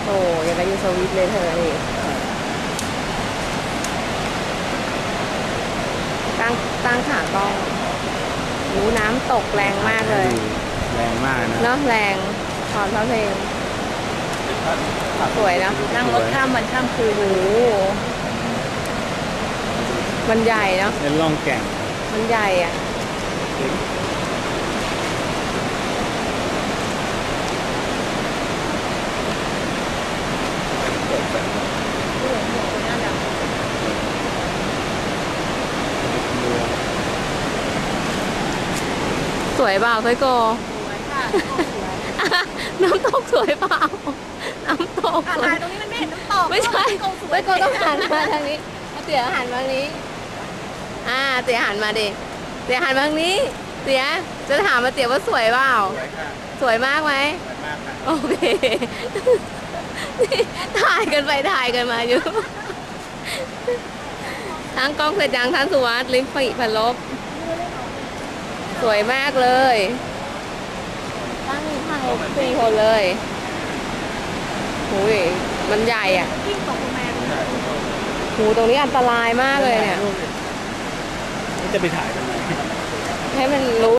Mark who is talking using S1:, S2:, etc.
S1: โอ้ยังกับอยู่สวิตเลยเธอนี่ตั้งขากล้องหูน้ำตกแรงมากเลย
S2: แรงมากนะ
S1: เนาะแรงถอนพระเพลงสวยนะนั่งรถข้ามวันข้ามคืนโอ้มันใหญ่เนาะ
S2: เป็นล่องแก่ง
S1: มันใหญ่อ่ะสวยเปล่าไซโกสวยค่ะน้ำตกสวยเปล่าน้ำตก
S3: ถ่ายตรงนี้มันไม่เห็นน้ำตก
S1: ไม่ใช่ไซโกต้องหันมาทางนี้เตี๋ยหันมาทางนี้เตี๋ยหันมาดิเตี๋ยหันมาทางนี้เตี๋ยจะถามมาเตี๋ยว่าสวยเปล่าสวยมากไหมโอเคถ่ายกันไปถ่ายกันมาอยู่ทั้งกล้องเสร็จยังท่านสุวัสดิ์ลิ้มปีพันลบสวยมากเลยตั้งถ่าย4 คนเลยหูยมันใหญ่อ่ะหูตรงนี้อันตรายมากเลยเนี่ย
S2: จะไปถ่ายทำไม
S1: ให้มันรู้